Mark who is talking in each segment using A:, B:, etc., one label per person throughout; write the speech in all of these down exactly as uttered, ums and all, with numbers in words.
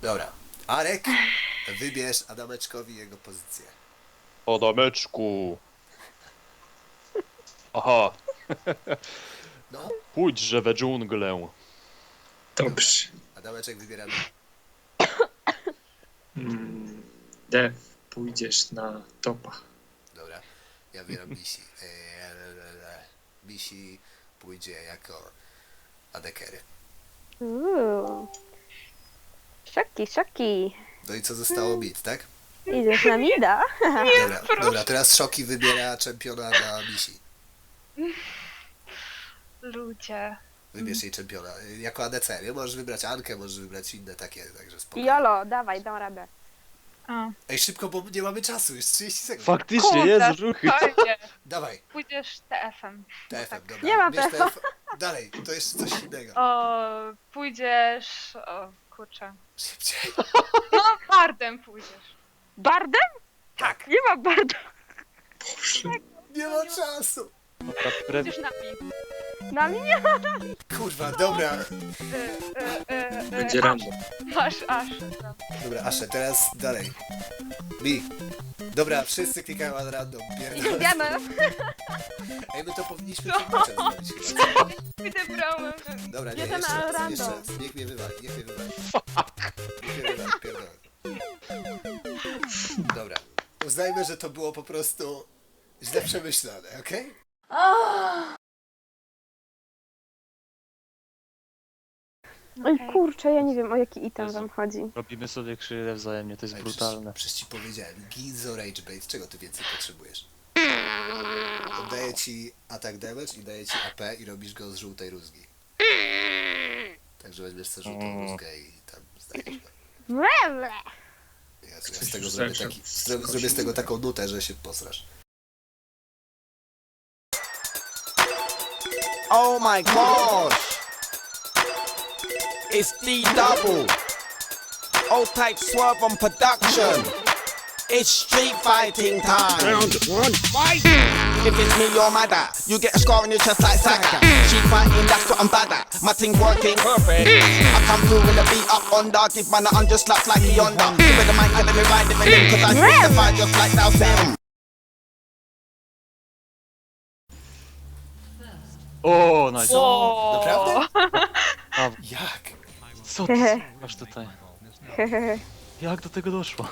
A: Dobra. Arek, wybierz Adameczkowi jego pozycję.
B: Adameczku. Aha.
A: No,
B: Pójdźże we dżunglę.
C: Dobrze.
A: Adameczek wybiera.
C: Mm, Dev, pójdziesz na topa.
A: Dobra, ja wybieram Misi. Eee, Misi pójdzie jako adekery.
D: Uuu. Szoki, szoki.
A: No i co zostało bit, tak?
D: Idziesz na mida?
A: Dobra, dobra, teraz Szoki wybiera czempiona na Misi.
E: Ludzie.
A: Wybierz jej czempiona. Jako A D C, nie? Możesz wybrać Ankę, możesz wybrać inne takie, także spokojnie.
D: Jolo, dawaj, dam radę.
E: A.
A: Ej, szybko, bo nie mamy czasu, już trzydzieści sekund.
B: Faktycznie,
E: Kurde,
B: jest ruchy.
E: spokojnie.
A: Dawaj,
E: Pójdziesz T F-em.
A: T F M, dobra.
D: Nie ma
A: Bierz
D: T F M.
A: T F M. Dalej, to jeszcze coś innego.
E: O, pójdziesz... O, kurczę.
A: Szybciej.
E: No, bardem pójdziesz.
D: Bardem?
A: Tak.
D: Nie ma barda.
C: Boże.
A: Nie ma czasu.
B: Dobra, pre...
E: Pójdziesz na mi.
D: Na mnie?
A: Kurwa, dobra.
E: Y, y, y, y,
C: Będzie
E: aż.
C: random.
E: Masz aż.
A: Dobra, Asze, teraz dalej. Mi. Dobra, wszyscy klikają na random. Pierdolę.
D: Idziemy.
A: Ej, my to powinniśmy tłumaczem zrobić chyba.
E: Pójdę bramę.
A: Dobra, nie,
D: Jedziemy
A: jeszcze
D: na
A: raz,
D: random.
A: jeszcze raz. Niech mnie wywali, niech mnie wywali. Niech mnie wywali, pierdolę. Dobra. Uznajmy, że to było po prostu źle przemyślane, okej?
D: Oj kurczę, ja nie wiem o jaki item
B: Jezu.
D: wam chodzi.
B: Robimy sobie krzywdę wzajemnie, to jest
A: Ej,
B: brutalne.
A: Przecież, przecież ci powiedziałem, Ginzo Rage Bait, czego ty więcej potrzebujesz? Daję ci atak damage i daję ci A P i robisz go z żółtej rózgi. Także weźmiesz sobie żółtą
B: Mm.
A: rózgę i tam zdajesz go.
D: Mle.
A: Ja, ja z tego zrobię, taki, zro, zrobię z tego taką nutę, że się posrasz.
F: Oh my gosh! It's D double. Old type swerve on production. It's street fighting time. Round one, fight! If it's me, you're mad at. You get a scar on your chest like Saka. She fighting, that's what I'm bad at. My thing working perfect. I come through with a beat up under. Give man a hundred slaps like he under. Give it the mic and let me ride it with him. Cause I swing the fire just like thou Sam.
B: O, nice.
E: O,
A: Naprawdę?
B: A,
A: Jak?
B: co ty masz tutaj? Jak do tego doszło?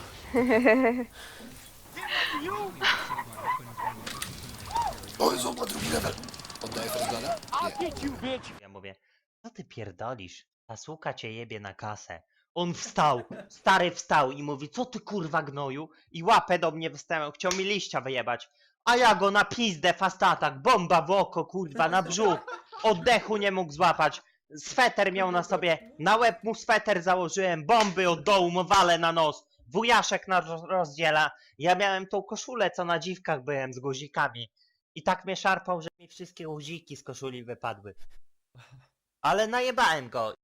A: O Jezu, on ma drugi level. Oddaję Frostblada? Nie.
G: Ja mówię, co ty pierdolisz? Ta suka cię jebie na kasę. On wstał, stary wstał i mówi, co ty kurwa gnoju? I łapę do mnie wystawiał, chciał mi liścia wyjebać. A ja go na pizdę fast attack, bomba w oko kurwa, na brzuch. Oddechu nie mógł złapać. Sweter miał na sobie, na łeb mu sweter założyłem, bomby od dołu mu walę na nos. Wujaszek nas roz- rozdziela. Ja miałem tą koszulę, co na dziwkach byłem z guzikami. I tak mnie szarpał, że mi wszystkie guziki z koszuli wypadły. Ale najebałem go.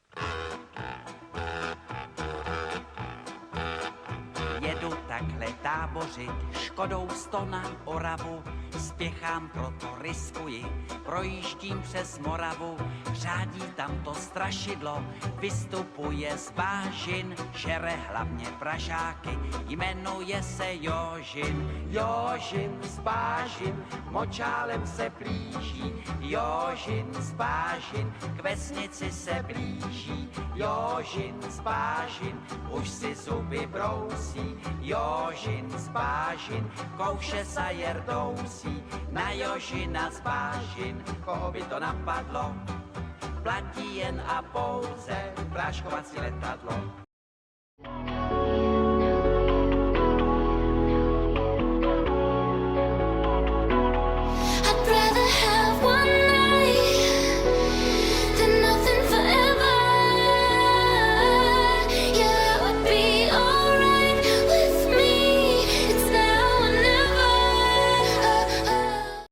H: Jedu takhle tábořit, Škodou sto na Oravu, spěchám, proto riskuji, projíždím přes Moravu, řádí tam to strašidlo, vystupuje z bážin, žere hlavně pražáky, jmenuje se Jožin. Jožin z bážin, močálem se blíží, Jožin z bážin, k vesnici se blíží, Jožin z bážin, už si zuby brousí, Jožin z bážin, kouše sa jerdousí, na Jožina z bážin, koho by to napadlo, platí jen a pouze práškovací letadlo.